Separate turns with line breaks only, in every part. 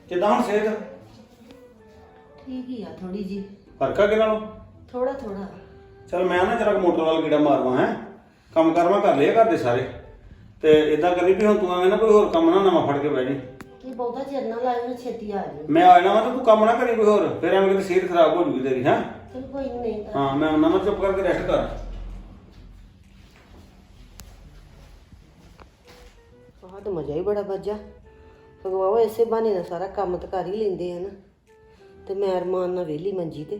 ਕਿਦਾਂ ਹੁਣ ਸਿਹਤ?
ਠੀਕ ਹੀ ਆ ਥੋੜੀ ਜੀ।
ਫਰਕ ਆ ਕਿ ਨਾਲੋਂ?
ਥੋੜਾ ਥੋੜਾ।
ਚਲ ਮੈਂ ਨਾ ਜਰਾ ਮੋਟਰ ਵਾਲ ਕੀੜਾ ਮਾਰਵਾ ਹੈ। ਕੰਮ ਕਰਵਾ ਕਰ ਲਿਆ ਘਰ ਦੇ ਸਾਰੇ। ਤੇ ਇਦਾਂ ਕਰੀ ਵੀ ਹੁਣ ਤੂੰ ਐਵੇਂ ਨਾ ਕੋਈ ਹੋਰ ਕੰਮ ਨਾ ਨਵਾਂ ਫੜ ਕੇ ਬਹਿ ਜੀ।
ਇਹ ਬਹੁਤਾ ਚਿਰ ਨਾ ਲਾਇਓ, ਛੇਤੀ ਆ ਜਾਓ।
ਮੈਂ ਆ ਜਾਣਾ ਵਾ ਤੇ ਤੂੰ ਕੰਮ ਨਾ ਕਰੀ ਕੋਈ ਹੋਰ, ਫਿਰ ਐਵੇਂ ਕਿਤੇ ਸਿਹਤ ਖਰਾਬ ਹੋ ਜੂਗੀ ਤੇਰੀ। ਹੈ
ਚਲ ਕੋਈ ਨਹੀਂ।
ਹਾਂ ਮੈਂ ਉਹਨਾਂ ਨੂੰ ਚੁੱਪ ਕਰਕੇ ਰੈਸਟ ਕਰ।
ਆਹ ਤਾਂ ਮਜ਼ਾ ਹੀ ਬੜਾ ਵੱਜਾ। ਭਗਵਾਵਾ ਇਸੇ ਬਹਾਨੇ ਦਾ ਸਾਰਾ ਕੰਮ ਤਾਂ ਕਰ ਹੀ ਲੈਂਦੇ ਆ ਨਾ, ਤੇ ਮੈਂ ਅਰਮਾਨ ਨਾਲ ਵਿਹਲੀ ਮੰਜੀ ਤੇ।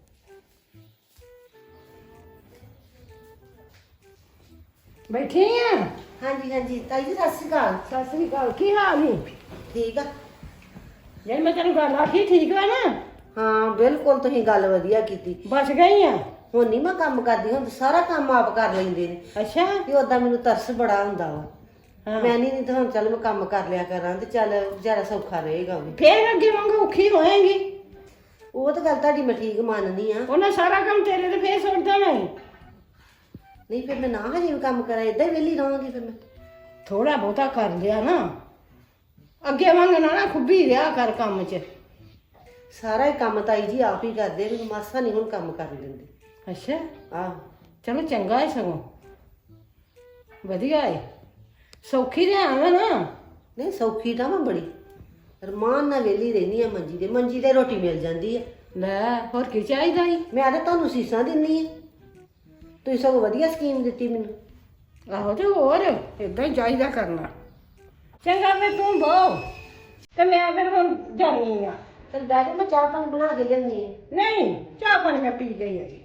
ਬੈਠੀ ਆ?
ਹਾਂਜੀ ਹਾਂਜੀ ਤਾਈ ਜੀ ਸਤਿ ਸ਼੍ਰੀ ਅਕਾਲ।
ਸਤਿ ਸ੍ਰੀ ਅਕਾਲ। ਕੀ ਹਾਲ ਨੀ?
ਠੀਕ ਆ।
ਜੇ ਮੈਂ ਤੈਨੂੰ ਗੱਲ ਆਖੀ ਠੀਕ ਵਾ ਨਾ?
ਹਾਂ ਬਿਲਕੁਲ, ਤੁਸੀਂ ਗੱਲ ਵਧੀਆ ਕੀਤੀ।
ਬਚ ਗਈ ਆ?
ਹੁਣ ਨਹੀਂ ਮੈਂ ਕੰਮ ਕਰਦੀ, ਹੁਣ ਤਾਂ ਸਾਰਾ ਕੰਮ ਆਪ ਕਰ ਲੈਂਦੇ ਨੇ।
ਅੱਛਾ।
ਤੇ ਓਦਾਂ ਮੈਨੂੰ ਤਰਸ ਬੜਾ ਹੁੰਦਾ ਵਾ।
ਹਾਂ।
ਮੈਂ ਨਹੀਂ ਤਾਂ ਹੁਣ ਚੱਲ ਮੈਂ ਕੰਮ ਕਰ ਲਿਆ ਕਰਾਂ ਤੇ ਚੱਲ ਜ਼ਿਆਦਾ ਸੌਖਾ ਰਹੇਗਾ ਵੀ।
ਫੇਰ ਅੱਗੇ ਵਾਂਗੂ ਔਖੀ ਹੋਏਗੀ।
ਉਹ ਤਾਂ ਗੱਲ ਤੁਹਾਡੀ ਮੈਂ ਠੀਕ ਮੰਨਦੀ ਆ।
ਉਹਨੇ ਸਾਰਾ ਕੰਮ ਤੇਰੇ ਤੇ ਫੇਰ ਸੁੱਟ ਦੇਣਾ ਈ।
ਨਹੀਂ ਫਿਰ ਮੈਂ ਨਾ ਹਜੇ ਵੀ ਕੰਮ ਕਰਾਂ, ਏਦਾਂ ਹੀ ਵਿਹਲੀ ਰਹਾਂਗੀ ਫਿਰ ਮੈਂ।
ਥੋੜਾ ਬਹੁਤਾ ਕਰ ਲਿਆ ਨਾ, ਅੱਗੇ ਵਾਂਗਣਾ ਨਾ ਖੁੱਬੀ ਰਿਹਾ ਕਰ ਕੰਮ 'ਚ।
ਸਾਰਾ ਹੀ ਕੰਮ ਤਾਈ ਜੀ ਆਪ ਹੀ ਕਰਦੇ, ਮੈਨੂੰ ਮਾਸਾ ਨਹੀਂ ਹੁਣ ਕੰਮ ਕਰਨ ਦਿੰਦੇ।
ਅੱਛਾ।
ਆਹ
ਚਲੋ ਚੰਗਾ ਹੈ, ਸਗੋਂ ਵਧੀਆ ਹੈ। ਸੌਖੀ ਤੇ ਆਵੇਂ ਨਾ।
ਨਹੀਂ ਸੌਖੀ ਤਾਂ ਮੈਂ ਬੜੀ ਰਮਾਨ ਨਾਲ ਵਿਹਲੀ ਰਹਿੰਦੀ ਆ ਮੰਜੀ ਤੇ। ਮੰਜੀ ਤੇ ਰੋਟੀ ਮਿਲ ਜਾਂਦੀ ਆ।
ਲੈ ਹੋਰ ਕੀ ਚਾਹੀਦਾ ਈ?
ਮੈਂ ਤਾਂ ਤੁਹਾਨੂੰ ਸੀਸਾਂ ਦਿੰਨੀ ਆ, ਤੁਸੀਂ ਸਗੋਂ ਵਧੀਆ ਸਕੀਮ ਦਿੱਤੀ ਮੈਨੂੰ।
ਆਹੋ ਤੇ ਹੋਰ ਏਦਾਂ ਹੀ ਚਾਹੀਦਾ ਕਰਨਾ। ਚੰਗਾ ਫਿਰ ਤੂੰ ਬਹੁ ਤੇ ਮੈਂ ਫਿਰ ਹੁਣ ਜਾਣੀ ਆ।
ਚਲ ਬਹਿ ਜਾ, ਮੈਂ ਚਾਹ ਪਾਣੀ ਬਣਾ ਕੇ ਲਿਆਉਂਦੀ ਆ।
ਨਹੀਂ, ਚਾਹ ਪਾਣੀ ਮੈਂ ਪੀ ਗਈ ਹੈਗੀ।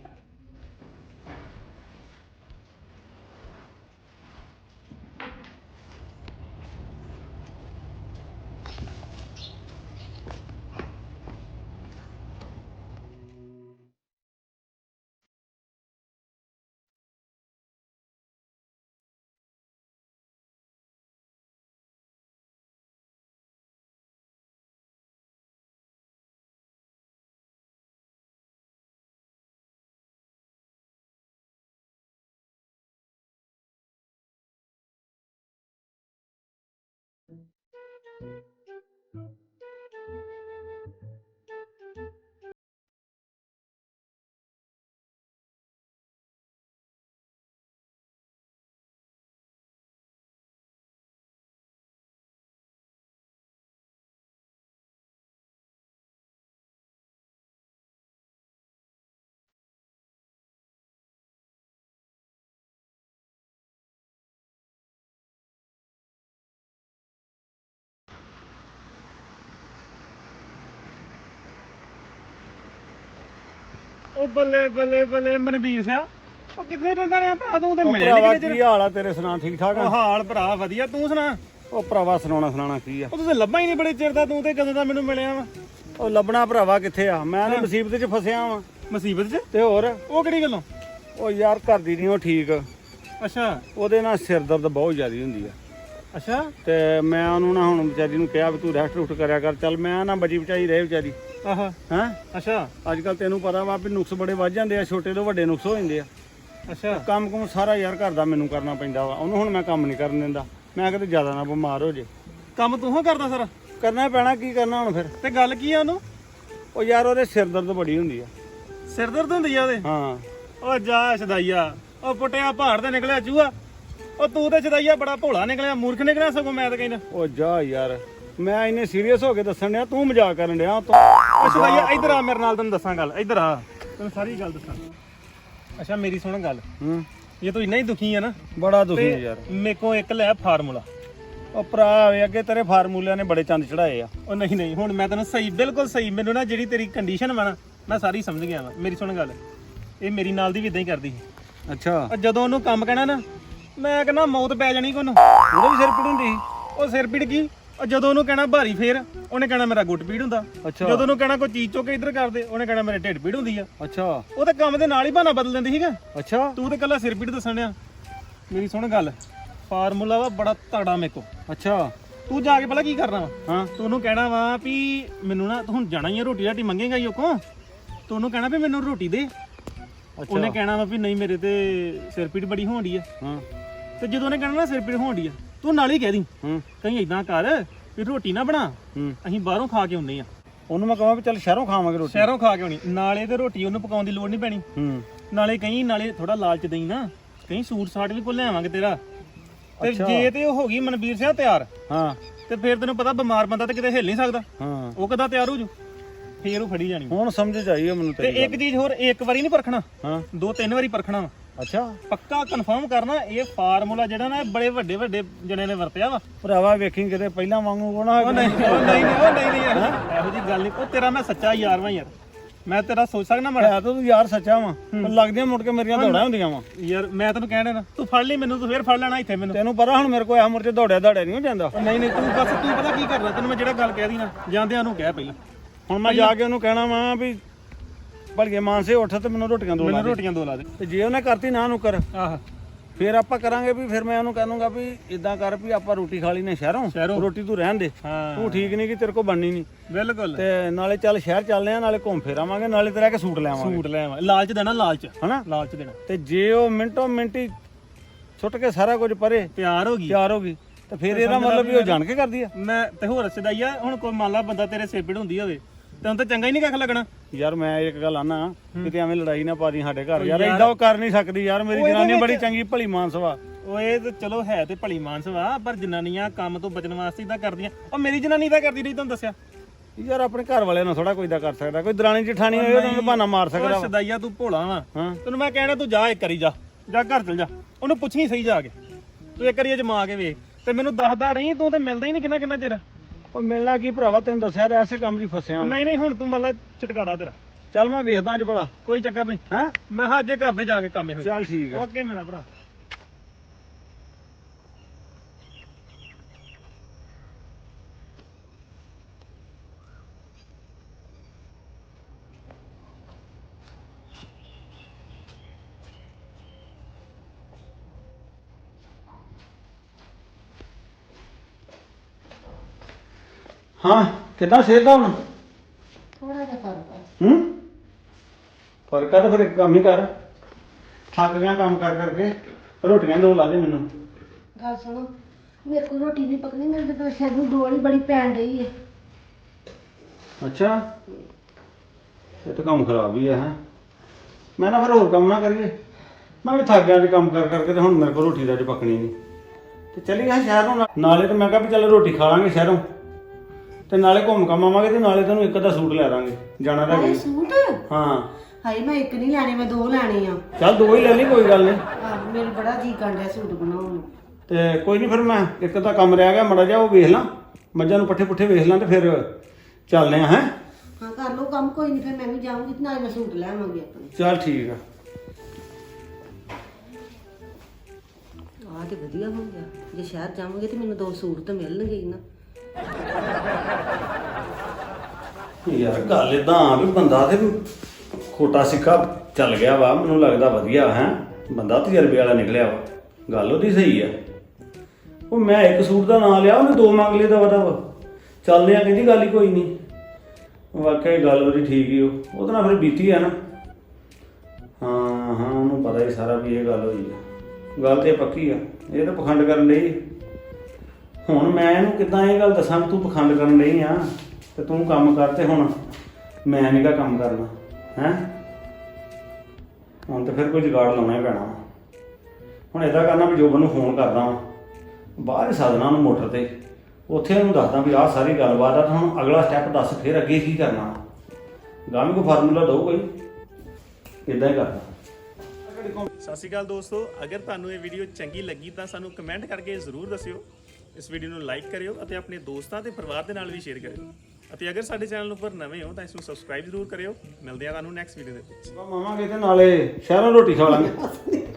ਉਹ ਬੱਲੇ ਬੱਲੇ ਬੱਲੇ ਮਨਵੀਰ ਸਿਆ, ਉਹ ਕਿੱਥੇ ਰਹਿੰਦਾ ਰਿਹਾ ਭਰਾ? ਤੂੰ ਤੇ ਮਿਲਿਆ
ਭਰਾਵਾ
ਨਹੀਂ
ਕੀ ਹਾਲ ਆ ਤੇਰੇ? ਸੁਣਾ ਠੀਕ ਠਾਕ
ਉਹ
ਆ?
ਹਾਲ ਭਰਾ ਵਧੀਆ, ਤੂੰ ਸੁਣਾ?
ਉਹ ਭਰਾਵਾ ਸੁਣਾਉਣਾ ਕੀ ਆ?
ਉਹ ਤੁਸੀਂ ਲੱਭਾ ਹੀ ਨਹੀਂ ਬੜੇ ਚਿਰ ਦਾ, ਤੂੰ ਤੇ ਕਦੋਂ ਦਾ ਮੈਨੂੰ ਮਿਲਿਆ ਵਾ?
ਉਹ ਲੱਭਣਾ ਭਰਾਵਾ ਕਿੱਥੇ ਆ? ਮੈਂ ਤਾਂ ਮੁਸੀਬਤ 'ਚ ਫਸਿਆ ਵਾਂ।
ਮੁਸੀਬਤ 'ਚ?
ਤੇ ਹੋਰ
ਉਹ ਕਿਹੜੀ ਗੱਲੋਂ?
ਉਹ ਯਾਰ ਘਰ ਦੀ ਨਹੀਂ ਉਹ ਠੀਕ।
ਅੱਛਾ
ਉਹਦੇ ਨਾਲ ਸਿਰ ਦਰਦ ਬਹੁਤ ਜ਼ਿਆਦਾ ਹੁੰਦੀ ਆ।
ਅੱਛਾ।
ਤੇ ਮੈਂ ਉਹਨੂੰ ਨਾ ਹੁਣ ਵਿਚਾਰੀ ਨੂੰ ਕਿਹਾ ਵੀ ਤੂੰ ਰੈਸਟ ਰੁਸਟ ਕਰਿਆ ਕਰ। ਚੱਲ ਮੈਂ ਨਾ ਬਚੀ ਬਚਾਈ ਰਹੇ ਵਿਚਾਰੀ।
ਆਹਾ।
ਹੈਂ
ਅੱਛਾ
ਅੱਜ ਕੱਲ ਤੈਨੂੰ ਪਤਾ ਵਾ ਵੀ ਨੁਕਸ ਬੜੇ ਵੱਧ ਜਾਂਦੇ ਆ, ਛੋਟੇ ਤੋਂ ਵੱਡੇ ਨੁਕਸ ਹੋ ਜਾਂਦੇ ਆ।
ਅੱਛਾ।
ਕੰਮ ਕੁਮ ਸਾਰਾ ਯਾਰ ਘਰ ਦਾ ਮੈਨੂੰ ਕਰਨਾ ਪੈਂਦਾ ਵਾ। ਉਹਨੂੰ ਹੁਣ ਮੈਂ ਕੰਮ ਨਹੀਂ ਕਰਨ ਦਿੰਦਾ, ਮੈਂ ਕਿਤੇ ਜ਼ਿਆਦਾ ਨਾ ਬਿਮਾਰ ਹੋ ਜੇ।
ਕੰਮ ਤੂੰ ਹੀ ਕਰਦਾ ਸਾਰਾ?
ਕਰਨਾ ਪੈਣਾ, ਕੀ ਕਰਨਾ ਹੁਣ ਫਿਰ।
ਤੇ ਗੱਲ ਕੀ ਆ ਉਹਨੂੰ?
ਉਹ ਯਾਰ ਉਹਦੇ ਸਿਰ ਦਰਦ ਬੜੀ ਹੁੰਦੀ ਆ।
ਸਿਰ ਦਰਦ ਹੁੰਦੀ ਆ ਉਹਦੇ?
ਹਾਂ।
ਉਹ ਜਾ ਛਦਾਈਆ, ਉਹ ਪੁੱਟਿਆ ਪਹਾੜ ਤੇ ਨਿਕਲਿਆ ਚੂਹਾ। ਉਹ ਤੂੰ ਤੇ ਛਦਾਈਆ ਬੜਾ ਭੋਲਾ ਨਿਕਲਿਆ, ਮੂਰਖ ਨਿਕਲਿਆ ਸਗੋਂ ਮੈਂ ਤਾਂ ਕਹਿੰਦਾ।
ਉਹ ਜਾ ਯਾਰ, ਮੈਂ ਇੰਨੇ ਸੀਰੀਅਸ ਹੋ ਕੇ ਦੱਸਣ ਡਿਆ, ਤੂੰ ਮਜ਼ਾਕ ਕਰਨ ਡਿਆ ਤੂੰ।
ਉਹ ਛਦਾਈਆ ਇੱਧਰ ਆ ਮੇਰੇ ਨਾਲ, ਤੈਨੂੰ ਦੱਸਾਂ ਗੱਲ। ਇੱਧਰ ਆ, ਤੈਨੂੰ ਸਾਰੀ ਗੱਲ ਦੱਸਾਂ। ਅੱਛਾ ਮੇਰੀ ਸੁਣ ਗੱਲ।
ਹੂੰ।
ਜੇ ਤੂੰ ਇੰਨਾ ਹੀ ਦੁਖੀ ਆ ਨਾ,
ਬੜਾ ਦੁਖੀ
ਤੇ
ਆ ਯਾਰ।
ਮੇਰੇ ਕੋਲ ਇੱਕ ਲੈ ਫਾਰਮੂਲਾ।
ਉਹ ਭਰਾ ਵੇ, ਅੱਗੇ ਤੇਰੇ ਫਾਰਮੂਲਿਆਂ ਨੇ ਬੜੇ ਚੰਦ ਚੜਾਏ ਆ।
ਉਹ ਨਹੀਂ ਨਹੀਂ, ਹੁਣ ਮੈਂ ਤੈਨੂੰ ਸਹੀ, ਬਿਲਕੁਲ ਸਹੀ। ਮੈਨੂੰ ਨਾ ਜਿਹੜੀ ਤੇਰੀ ਕੰਡੀਸ਼ਨ ਵਾ ਨਾ, ਮੈਂ ਸਾਰੀ ਸਮਝ ਗਿਆ ਵਾ। ਮੇਰੀ ਸੁਣ ਗੱਲ, ਇਹ ਮੇਰੀ ਨਾਲ ਦੀ ਵੀ ਇਦਾਂ ਹੀ ਕਰਦੀ ਸੀ।
ਅੱਛਾ।
ਉਹ ਜਦੋਂ ਉਹਨੂੰ ਕੰਮ ਕਹਿਣਾ ਨਾ, ਮੈਂ ਕਹਿੰਦਾ ਮੌਤ ਪੈ ਜਾਣੀ ਕੋਨੂੰ।
ਉਹਦੇ ਵੀ ਸਿਰ ਪੀੜ ਹੁੰਦੀ ਸੀ?
ਉਹ ਸਿਰ ਪੀੜ ਕੀ, ਉਹ ਜਦੋਂ ਉਹਨੂੰ ਕਹਿਣਾ ਭਾਰੀ ਫੇਰ, ਉਹਨੇ ਕਹਿਣਾ ਮੇਰਾ ਗੁੱਟ ਪੀੜ ਹੁੰਦਾ।
ਅੱਛਾ।
ਜਦੋਂ ਉਹਨੂੰ ਕਹਿਣਾ ਕੋਈ ਚੀਜ਼ ਚੁੱਕ ਕੇ ਇੱਧਰ ਕਰਦੇ, ਉਹਨੇ ਕਹਿਣਾ ਮੇਰੇ ਢਿੱਡ ਪੀੜ ਹੁੰਦੀ ਆ।
ਅੱਛਾ।
ਉਹ ਤਾਂ ਕੰਮ ਦੇ ਨਾਲ ਹੀ ਬਹਾਨਾ ਬਦਲ ਦਿੰਦੀ ਸੀਗਾ।
ਅੱਛਾ।
ਤੂੰ ਤੇ ਕੱਲਾ ਸਿਰ ਪੀੜ ਦੱਸਣ ਡਿਆ। ਮੇਰੀ ਸੁਣ ਗੱਲ, ਫਾਰਮੂਲਾ ਵਾ ਬੜਾ ਤਗੜਾ ਮੇਰੇ ਕੋ।
ਅੱਛਾ।
ਤੂੰ ਜਾ ਕੇ ਪਹਿਲਾਂ ਕੀ ਕਰਨਾ ਵਾ?
ਹਾਂ।
ਤੂੰ ਉਹਨੂੰ ਕਹਿਣਾ ਵਾ ਵੀ ਮੈਨੂੰ ਨਾ, ਤੂੰ ਹੁਣ ਜਾਣਾ ਹੀ ਆ, ਰੋਟੀ ਰਾਟੀ ਮੰਗੇਗਾ ਹੀ ਉਹ ਕੋ। ਤੂੰ ਉਹਨੂੰ ਕਹਿਣਾ ਵੀ ਮੈਨੂੰ ਰੋਟੀ ਦੇ। ਉਹਨੇ ਕਹਿਣਾ ਵਾ ਵੀ ਨਹੀਂ ਮੇਰੇ ਤੇ ਸਿਰ ਪੀੜ ਬੜੀ ਹੋਣ ਡਈ ਆ।
ਹਾਂ।
ਤੇ ਜਦੋਂ ਉਹਨੇ ਕਹਿਣਾ ਨਾ ਸਿਰ ਪੀੜ ਹੋਣ ਡਈ ਆ, ਤੂੰ ਨਾਲ ਹੀ ਕਹਿ ਦੀ
ਹੂੰ।
ਕਹੀਂ ਇਦਾਂ ਕਰ ਵੀ ਰੋਟੀ ਨਾ ਬਣਾ
ਹੂੰ
ਅਸੀਂ ਬਾਹਰੋਂ ਖਾ ਕੇ ਆਉਂਦੇ ਆ
ਉਹਨੂੰ ਮੈਂ ਕਹਾਂ ਵੀ ਚੱਲ ਸ਼ਹਿਰੋਂ ਖਾਵਾਂਗੇ ਰੋਟੀ
ਸ਼ਹਿਰੋਂ ਖਾ ਕੇ ਆਉਣੀ ਨਾਲੇ ਤੇ ਰੋਟੀ ਉਹਨੂੰ ਪਕਾਉਣ ਦੀ ਲੋੜ ਨਹੀਂ ਪੈਣੀ
ਹੂੰ
ਨਾਲੇ ਕਹੀਂ ਨਾਲੇ ਥੋੜਾ ਲਾਲਚ ਦੇਈ ਨਾ ਕਹੀਂ ਸੂਟ ਸਾਟ ਵੀ ਕੋ ਲਿਆਵਾਂਗੇ ਤੇਰਾ ਤੇ ਜੇ ਤੇ ਉਹ ਹੋ ਗਈ ਮਨਵੀਰ ਸਿੰਘ ਤਿਆਰ
ਹਾਂ
ਤੇ ਫਿਰ ਤੈਨੂੰ ਪਤਾ ਬਿਮਾਰ ਬੰਦਾ ਤੇ ਕਿਤੇ ਹਿੱਲ ਨਹੀਂ ਸਕਦਾ
ਹਾਂ
ਉਹ ਕਦਾ ਤਿਆਰ ਹੋ ਜੂ ਫੇਰ ਉਹ ਫੜੀ ਜਾਣੀ
ਹੁਣ ਸਮਝ ਚਾਹੀਏ ਮੈਨੂੰ
ਤੇ ਇੱਕ ਚੀਜ਼ ਹੋਰ ਇੱਕ ਵਾਰੀ ਨਹੀਂ ਪਰਖਣਾ
ਹਾਂ
2-3 ਵਾਰੀ ਪਰਖਣਾ ਵਾ
ਅੱਛਾ
ਪੱਕਾ ਕਨਫਰਮ ਕਰਨਾ ਇਹ ਫਾਰਮੂਲਾ ਜਿਹੜਾ ਨਾ ਬੜੇ ਵੱਡੇ ਵੱਡੇ ਜਣੇ ਨੇ ਵਰਤਿਆ ਵਾ
ਭਰਾਵਾ ਵੇਖੀ ਕਿਤੇ ਪਹਿਲਾਂ ਵਾਂਗੂ ਉਹ ਨਾ
ਉਹ ਨਹੀਂ ਇਹੋ ਜੀ ਗੱਲ ਨਹੀਂ ਉਹ ਤੇਰਾ ਮੈਂ ਸੱਚਾ ਯਾਰ ਵਾਂ ਯਾਰ ਮੈਂ ਤੇਰਾ ਸੋਚ ਸਕਦਾ ਮਾੜਾ
ਹੈ ਤਾਂ ਤੂੰ ਯਾਰ ਸੱਚਾ ਵਾ ਪਰ ਲੱਗਦੀਆਂ ਮੁੜ ਕੇ ਮੇਰੀਆਂ ਦੌੜਾਂ ਹੁੰਦੀਆਂ ਵਾ
ਯਾਰ ਮੈਂ ਤੈਨੂੰ ਕਹਿਣਾ ਨਾ ਤੂੰ ਫੜ ਲਈ ਮੈਨੂੰ ਤੂੰ ਫੇਰ ਫੜ ਲੈਣਾ ਇੱਥੇ ਮੈਨੂੰ
ਤੈਨੂੰ ਪਤਾ ਹੁਣ ਮੇਰੇ ਕੋਲ ਆ ਮੁੜ ਕੇ ਦੌੜਿਆ ਨਹੀਂ ਹੋ ਜਾਂਦਾ
ਉਹ ਨਹੀਂ ਤੂੰ ਬਸ ਤੂੰ ਪਤਾ ਕੀ ਕਰਨਾ ਤੈਨੂੰ ਮੈਂ ਜਿਹੜਾ ਗੱਲ ਕਹਿ ਦੀ ਨਾ ਜਾਂਦਿਆਂ ਨੂੰ ਕਹਿ ਪਹਿਲਾਂ
ਹੁਣ ਮੈਂ ਜਾ ਕੇ ਉਹਨੂੰ ਕਹਿਣਾ ਵਾ ਵੀ ਭਲਕੇ ਮਾਨਸੇ ਉੱਠ ਤੇ ਮੈਨੂੰ ਰੋਟੀਆਂ ਦੋ ਲਾ
ਮੈਨੂੰ
ਦੇ
ਰੋਟੀਆਂ ਦੋ ਲਾ ਦੇ
ਤੇ ਜੇ ਉਹਨੇ ਕਰਤੀ ਨਾ ਨੁਕਰ
ਆਹ
ਫਿਰ ਆਪਾਂ ਕਰਾਂਗੇ ਵੀ ਫਿਰ ਮੈਂ ਉਹਨੂੰ ਕਹਾਂਗਾ ਵੀ ਇਦਾਂ ਕਰ ਵੀ ਆਪਾਂ ਰੋਟੀ ਖਾ ਲਈ ਨੇ ਸ਼ਹਿਰੋਂ ਰੋਟੀ ਤੂੰ ਰਹਿਣ ਦੇ
ਹਾਂ
ਤੂੰ ਠੀਕ ਨਹੀਂ ਕਿ ਤੇਰੇ ਕੋਲ ਬਣਨੀ ਨਹੀਂ
ਬਿਲਕੁਲ
ਤੇ ਨਾਲੇ ਚੱਲ ਸ਼ਹਿਰ ਚੱਲਦੇ ਆ ਨਾਲੇ ਘੁੰਮ ਫਿਰ ਆਵਾਂਗੇ ਨਾਲੇ ਤੇਰਾ ਕੇ ਸੂਟ ਲੈ ਆਵਾਂਗੇ
ਸੂਟ ਲੈ ਆਵਾਂ ਲਾਲਚ ਦੇਣਾ ਲਾਲਚ
ਹਨਾ
ਲਾਲਚ ਦੇਣਾ
ਤੇ ਜੇ ਉਹ ਮਿੰਟੋ ਮਿੰਟੀ ਛੁੱਟ ਕੇ ਸਾਰਾ ਕੁਝ ਪਰੇ
ਤਿਆਰ ਹੋ ਗਈ
ਤਿਆਰ ਹੋ ਗਈ ਤੇ ਫਿਰ ਇਹਦਾ ਮਤਲਬ ਵੀ ਉਹ ਜਾਣ ਕੇ ਕਰਦੀ ਆ
ਮੈਂ ਤੇ ਹੋਰ ਸਦਾਈ ਆ ਹੁਣ ਕੋਈ ਮੰਨ ਲਾ ਬੰਦਾ ਤੇਰੇ ਸਿਰ ਪੀੜ ਹੁੰਦੀ ਹੋਵੇ ਤੈਨੂੰ ਤਾਂ ਚੰਗਾ ਹੀ ਨਹੀਂ ਕੱਖ ਲੱਗਣਾ
ਯਾਰ ਮੈਂ ਇੱਕ ਗੱਲ ਆਨਾ ਕਿਤੇ ਐਵੇਂ ਲੜਾਈ ਨਾ ਪਾ ਦੀ ਸਾਡੇ ਘਰ ਯਾਰ ਏਦਾਂ ਉਹ ਕਰ ਨਹੀਂ ਸਕਦੀ ਯਾਰ ਮੇਰੀ ਜਨਾਨੀ ਬੜੀ ਚੰਗੀ ਭਲੀ ਮਾਨਸ ਵਾ
ਓਏ ਤੇ ਚਲੋ ਹੈ ਤੇ ਭਲੀ ਮਾਨਸ ਵਾ ਪਰ ਜਨਾਨੀਆਂ ਕੰਮ ਤੋਂ ਬਚਣ ਵਾਸਤੇ ਇਦਾਂ ਕਰਦੀਆਂ ਉਹ ਮੇਰੀ ਜਨਾਨੀ ਤਾਂ ਕਰਦੀ ਨਹੀਂ ਤੁਹਾਨੂੰ ਦੱਸਿਆ
ਯਾਰ ਆਪਣੇ ਘਰ ਵਾਲਿਆਂ ਨਾਲ ਥੋੜਾ ਕੋਈ ਦਾ ਕਰ ਸਕਦਾ ਕੋਈ ਦਰਾਣੀ ਜਠਾਣੀ ਹੋਏ ਉਹਨੂੰ ਬਹਾਨਾ ਮਾਰ ਸਕਦਾ
ਓਏ ਸਦਾਈਆ ਤੂੰ ਭੋਲਾ ਵਾ
ਹਾਂ
ਤੈਨੂੰ ਮੈਂ ਕਹਿਣਾ ਤੂੰ ਜਾ ਇੱਕ ਵਾਰੀ ਜਾ ਘਰ ਚਲ ਜਾ ਉਹਨੂੰ ਪੁੱਛੀ ਸਹੀ ਜਾ ਕੇ ਤੂੰ ਇੱਕ ਵਾਰੀ ਅਜਮਾ ਕੇ ਵੇਖ ਤੇ ਮੈਨੂੰ ਦੱਸਦਾ ਰਹੀ ਤੂੰ ਤੇ ਮਿਲਦਾ ਹੀ ਨਹੀਂ ਕਿੰਨਾ ਚਿਰ
ਉਹ ਮਿਲਣਾ ਕੀ ਭਰਾਵਾ ਤੈਨੂੰ ਦੱਸਿਆ ਤਾਂ ਐਸੇ ਕੰਮ 'ਚ ਫਸਿਆ
ਨਹੀਂ ਹੁਣ ਤੂੰ ਮਤਲਬ ਛਟਕਾੜਾ ਤੇਰਾ
ਚੱਲ ਮੈਂ ਵੇਖਦਾ ਅੱਜ ਭਲਾ
ਕੋਈ ਚੱਕਰ ਨਹੀਂ
ਹੈਂ
ਮੈਂ ਹਾਂ ਅੱਜ ਘਰ ਤੇ ਜਾ ਕੇ ਕੰਮ ਇਹੋ
ਚੱਲ ਠੀਕ ਆ
ਓਕੇ ਮੇਰਾ ਭਰਾ
ਹਾਂ ਕਿੱਦਾਂ ਸਿਹਤ ਦਾ ਹੁਣ
ਥੋੜਾ ਜਿਹਾ ਫਰਕ ਆ
ਹੂੰ ਫਰਕ ਆ ਤਾਂ ਫਿਰ ਇੱਕ ਕੰਮ ਹੀ ਕਰ ਥੱਕ ਗਿਆ ਕੰਮ ਕਰ ਕਰਕੇ ਰੋਟੀਆਂ ਦੋ ਲਾ ਦੇ ਮੈਨੂੰ
ਗੱਲ ਸੁਣੋ ਮੇਰੇ ਕੋਲ ਰੋਟੀ ਨਹੀਂ ਪਕਣੀ ਮੇਰੇ ਤੇ ਸਿਰ ਨੂੰ ਡੋਲ ਹੀ ਬੜੀ ਪੈਣ ਰਹੀ ਹੈ
ਅੱਛਾ ਇਹ ਤਾਂ ਕੰਮ ਖਰਾਬ ਹੀ ਆ ਹੈ ਮੈਂ ਨਾ ਫਿਰ ਹੋਰ ਕੰਮ ਨਾ ਕਰੀਏ ਮੈਂ ਵੀ ਥੱਕ ਗਿਆ ਅੱਜ ਕੰਮ ਕਰ ਕਰਕੇ ਤੇ ਹੁਣ ਮੇਰੇ ਕੋਲ ਰੋਟੀ ਦਾ ਅੱਜ ਪਕਣੀ ਨਹੀਂ ਤੇ ਚੱਲੀ ਗਿਆ ਸ਼ਹਿਰ ਨੂੰ ਨਾਲੇ ਤੇ ਮੈਂ ਕਿਹਾ ਵੀ ਚੱਲ ਰੋਟੀ ਖਾ ਲਾਂਗੇ ਸ਼ਹਿਰੋਂ ਤੇ ਨਾਲੇ ਘੁੰਮ ਕੰਮ ਆਵਾਂਗੇ ਤੇ ਨਾਲੇ ਤੈਨੂੰ ਇੱਕ ਅੱਧਾ ਸੂਟ ਲੈ ਦਾਂਗੇ ਜਾਣਾ ਤਾਂ
ਹਾਏ
ਵੀ
ਸੂਟ
ਹਾਂ
ਹਾਏ ਮੈਂ ਇੱਕ ਨਹੀਂ ਲੈਣੇ ਮੈਂ ਦੋ ਲੈਣੇ ਆ
ਚੱਲ ਦੋ ਹੀ ਲੈ ਲਈ ਕੋਈ ਗੱਲ ਨਹੀਂ
ਮੇਰੇ ਬੜਾ ਜੀ ਕਰਦਾ ਸੂਟ ਬਣਾਉਣ ਨੂੰ
ਤੇ ਕੋਈ ਨਹੀਂ ਫਿਰ ਮੈਂ ਇੱਕ ਤਾਂ ਕੰਮ ਰਹਿ ਗਿਆ ਮੜਾ ਜਾ ਉਹ ਵੇਖ ਲਾਂ ਮੱਝਾਂ ਨੂੰ ਪੱਠੇ ਪੁੱਠੇ ਵੇਖ ਲਾਂ ਤੇ ਫਿਰ ਚੱਲਦੇ ਆ ਹੈਂ
ਹਾਂ ਕਰ ਲਓ ਕੰਮ ਕੋਈ ਨਹੀਂ ਫਿਰ ਮੈਂ ਵੀ ਜਾਊਂਗੀ ਤੇ ਨਾਲੇ ਮੈਂ ਸੂਟ ਲੈ ਆਵਾਂਗੀ ਆਪਣੇ
ਚੱਲ ਠੀਕ ਆ
ਆਹ ਤੇ ਵਧੀਆ ਹੋ ਗਿਆ ਜੇ ਸ਼ਹਿਰ ਜਾਵਾਂਗੇ ਤੇ ਮੈਨੂੰ ਦੋ ਸੂਟ ਤਾਂ ਮਿਲਣਗੇ ਹੀ ਨਾ
ਯਾਰ ਗੱਲ ਇਦਾਂ ਵੀ ਬੰਦਾ ਤੇ ਖੋਟਾ ਸਿੱਕਾ ਚੱਲ ਗਿਆ ਵਾ ਮੈਨੂੰ ਲੱਗਦਾ ਵਧੀਆ ਹੈ ਬੰਦਾ ਤਜਰਬੇ ਵਾਲਾ ਨਿਕਲਿਆ ਵਾ ਗੱਲ ਉਹਦੀ ਸਹੀ ਆ ਉਹ ਮੈਂ ਇੱਕ ਸੂਟ ਦਾ ਨਾਂ ਲਿਆ ਉਹਨੇ ਦੋ ਮੰਗ ਲਏ ਦਾ ਚੱਲਦੇ ਆ ਕਹਿੰਦੀ ਗੱਲ ਹੀ ਕੋਈ ਨਹੀਂ ਵਾਕਿਆ ਗੱਲ ਉਹਦੀ ਠੀਕ ਹੀ ਉਹਦੇ ਨਾਲ ਫਿਰ ਬੀਤੀ ਆ ਨਾ ਹਾਂ ਉਹਨੂੰ ਪਤਾ ਹੀ ਸਾਰਾ ਵੀ ਇਹ ਗੱਲ ਹੋਈ ਆ ਗੱਲ ਤੇ ਪੱਕੀ ਆ ਇਹ ਤਾਂ ਪਖੰਡ ਕਰਨ ਲਈ ਹੁਣ ਮੈਂ ਇਹਨੂੰ ਕਿੱਦਾਂ ਇਹ ਗੱਲ ਦੱਸਾਂ ਤੂੰ ਪਖੰਡ ਕਰਨ ਲਈ ਆ ਤੇ ਤੂੰ ਕੰਮ ਕਰ ਤੇ ਹੁਣ ਮੈਂ ਨੀ ਗਾ ਕੰਮ ਕਰਨਾ ਹੈ ਹੁਣ ਤਾਂ ਫਿਰ ਕੋਈ ਜੁਗਾੜ ਲਾਉਣਾ ਹੀ ਪੈਣਾ ਹੁਣ ਇਦਾਂ ਕਰਨਾ ਵੀ ਜੋਬਨ ਨੂੰ ਫੋਨ ਕਰਦਾ ਵਾਂ ਬਾਹਰ ਹੀ ਸਾਧਨਾ ਨੂੰ ਮੋਟਰ ਤੇ ਉੱਥੇ ਉਹਨੂੰ ਦੱਸਦਾ ਵੀ ਆਹ ਸਾਰੀ ਗੱਲਬਾਤ ਆ ਤਾਂ ਹੁਣ ਅਗਲਾ ਸਟੈਪ ਦੱਸ ਫਿਰ ਅੱਗੇ ਕੀ ਕਰਨਾ ਗਾਮੀ ਕੋ ਫਾਰਮੂਲਾ ਦੋ ਕੋਈ ਇਦਾਂ ਹੀ ਕਰਦਾ
ਸਤਿ ਸ਼੍ਰੀ ਅਕਾਲ ਦੋਸਤੋ ਅਗਰ ਤੁਹਾਨੂੰ ਇਹ ਵੀਡੀਓ ਚੰਗੀ ਲੱਗੀ ਤਾਂ ਸਾਨੂੰ ਕਮੈਂਟ ਕਰਕੇ ਜ਼ਰੂਰ ਦੱਸਿਓ ਇਸ ਵੀਡੀਓ ਨੂੰ ਲਾਈਕ ਕਰਿਓ ਅਤੇ ਆਪਣੇ ਦੋਸਤਾਂ ਤੇ ਪਰਿਵਾਰ ਦੇ ਨਾਲ ਵੀ ਸ਼ੇਅਰ ਕਰਿਓ ਅਤੇ ਅਗਰ ਸਾਡੇ ਚੈਨਲ ਉੱਪਰ ਨਵੇਂ ਹੋ ਤਾਂ ਇਸ ਨੂੰ ਸਬਸਕ੍ਰਾਈਬ ਜ਼ਰੂਰ ਕਰਿਓ ਮਿਲਦੇ ਆ ਤੁਹਾਨੂੰ ਨੈਕਸਟ ਵੀਡੀਓ ਦੇ ਵਿੱਚ
ਮਾਮਾ ਕਿਤੇ ਨਾਲੇ ਸ਼ਹਿਰੋਂ ਰੋਟੀ ਖਾ ਲਾਂਗੇ